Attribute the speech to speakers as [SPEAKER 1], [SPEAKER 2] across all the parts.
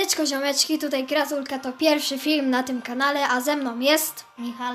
[SPEAKER 1] Siemaneczko ziomeczki, tutaj Grazulka, to pierwszy film na tym kanale, a ze mną jest
[SPEAKER 2] Michał,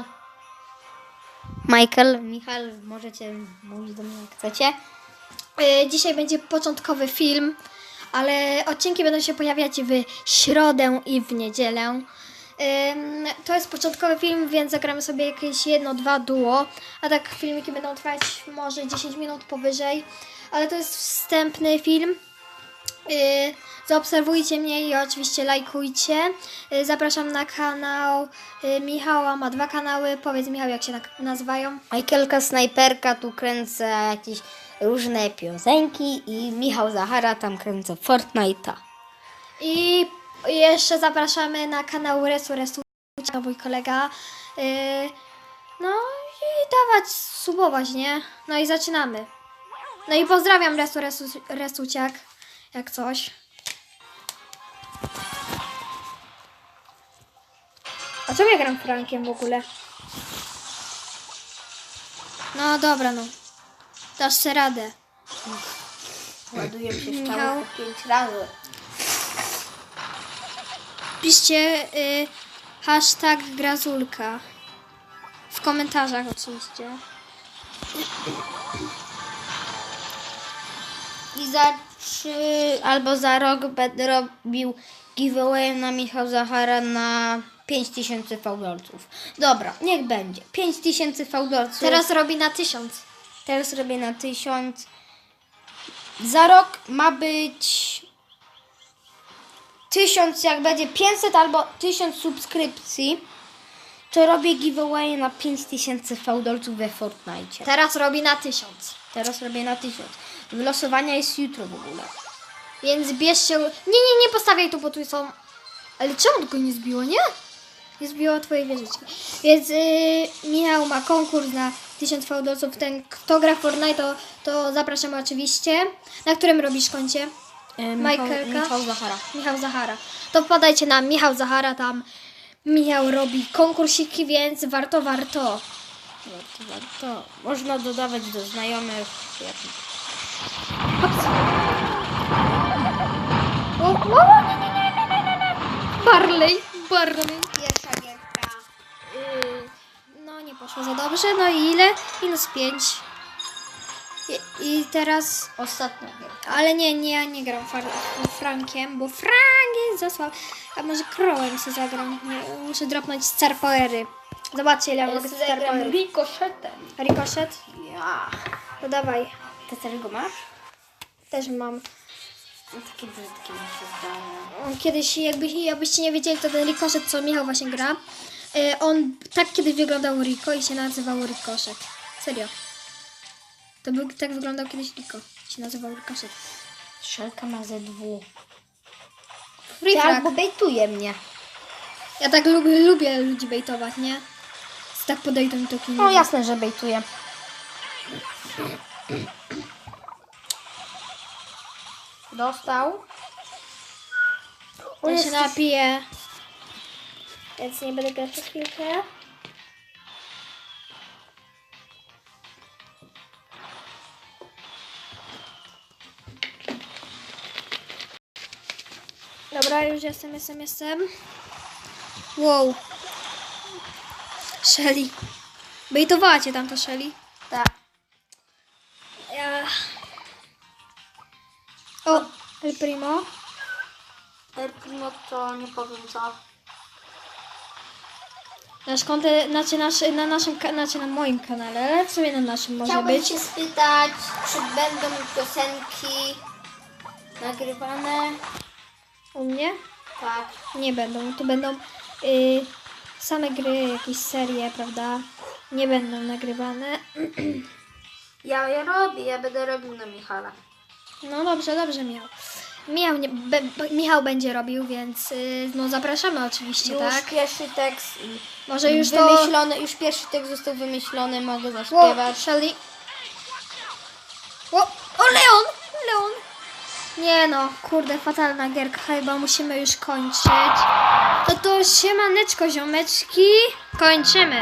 [SPEAKER 2] możecie mówić do mnie jak chcecie.
[SPEAKER 1] Dzisiaj będzie początkowy film, ale odcinki będą się pojawiać w środę i w niedzielę. To jest początkowy film, więc zagramy sobie jakieś 1-2 duo, a tak filmiki będą trwać może 10 minut powyżej, ale to jest wstępny film. Zaobserwujcie mnie i oczywiście lajkujcie. Zapraszam na kanał Michała, ma 2 kanały. Powiedz Michał, jak się nazywają.
[SPEAKER 2] Michaelka Snajperka, tu kręcę jakieś różne piosenki i Michał Zachara, tam kręcę Fortnite'a.
[SPEAKER 1] I jeszcze zapraszamy na kanał Resu, mój kolega. No i dawać, subować, nie? No i zaczynamy. No i pozdrawiam Resuciak, jak coś. A co ja gram Frankiem w ogóle? No dobra, no. Dasz sobie radę.
[SPEAKER 2] Ładuję się
[SPEAKER 1] Michał.
[SPEAKER 2] 5 razy.
[SPEAKER 1] Piszcie hashtag Grazulka. W komentarzach oczywiście.
[SPEAKER 2] I za 3 albo za rok będę robił giveaway na Michał Zachara na 5000 fałdolców. Dobra, niech będzie. 5000 fałdolców.
[SPEAKER 1] Teraz robi na 1000.
[SPEAKER 2] Teraz robię na 1000. Za rok ma być 1000, jak będzie 500 albo 1000 subskrypcji, to robię giveaway na 5000 fałdolców we Fortnite.
[SPEAKER 1] Teraz robi na 1000.
[SPEAKER 2] Teraz robię na 1000. Wylosowania jest jutro w ogóle.
[SPEAKER 1] Więc bierzcie... Nie postawiaj tu, bo tu są... Ale czemu go nie zbiło, nie? Nie zbiło twojej wieżyczki. Więc Michał ma konkurs na 1000 fałdolców. Ten, kto gra w Fortnite, to zapraszamy oczywiście. Na którym robisz koncie? Michaelka?
[SPEAKER 2] Michał Zachara.
[SPEAKER 1] Michał Zachara. To wpadajcie na Michał Zachara, tam Michał robi konkursiki, więc warto.
[SPEAKER 2] Warto. Można dodawać do znajomych.
[SPEAKER 1] Hops. Nie. Barley.
[SPEAKER 2] Pierwsza gierka.
[SPEAKER 1] No nie poszło za dobrze, no i ile? -5. I teraz...
[SPEAKER 2] Ostatnia gierka.
[SPEAKER 1] Ale ja nie gram Frankiem, bo Frank jest za słaby. A może Crowem sobie zagram. Muszę dropnąć Star Powery. Zobaczcie, ile mogę Star Powery.
[SPEAKER 2] Ricochetem.
[SPEAKER 1] Ricochet?
[SPEAKER 2] Ja.
[SPEAKER 1] To dawaj.
[SPEAKER 2] Ty też go masz?
[SPEAKER 1] Też mam.
[SPEAKER 2] No, takie brzydkie mi się zdaje.
[SPEAKER 1] Kiedyś, jakbyście nie wiedzieli, to ten Ricochet, co Michał właśnie gra, on tak kiedyś wyglądał Rico i się nazywał Ricochet. Serio. Tak wyglądał kiedyś Rico. Się nazywał Ricochet.
[SPEAKER 2] Szelka ma ze 2.
[SPEAKER 1] Free
[SPEAKER 2] Albo bejtuje mnie.
[SPEAKER 1] Ja tak lubię ludzi bejtować, nie? Tak podejdą mi to kino.
[SPEAKER 2] No jasne, że bejtuje. Dostał.
[SPEAKER 1] Ja się napiję. Więc nie będę grać przez chwilkę. Dobra, już jestem. Wow. Shelly. Bejtowała cię tam to Shelly.
[SPEAKER 2] Tak.
[SPEAKER 1] O, El Primo.
[SPEAKER 2] El Primo to nie powiem co.
[SPEAKER 1] Nasz kontent, na naszym, na moim kanale, ale w sumie na naszym może
[SPEAKER 2] Chciałbym
[SPEAKER 1] być.
[SPEAKER 2] się spytać, czy będą piosenki nagrywane?
[SPEAKER 1] U mnie?
[SPEAKER 2] Tak.
[SPEAKER 1] Nie będą. Tu będą same gry, jakieś serie, prawda? Nie będą nagrywane.
[SPEAKER 2] Ja je robię, ja będę robił na Michała.
[SPEAKER 1] No dobrze, Michał. Michał będzie robił, więc no zapraszamy oczywiście,
[SPEAKER 2] Już
[SPEAKER 1] tak?
[SPEAKER 2] pierwszy tekst
[SPEAKER 1] Może już to...
[SPEAKER 2] wymyślony, już pierwszy tekst został wymyślony, mogę
[SPEAKER 1] O,
[SPEAKER 2] zaśpiewać.
[SPEAKER 1] Shelly. O, Leon! Nie no, kurde, fatalna gierka, chyba musimy już kończyć. To siemaneczko, ziomeczki. Kończymy.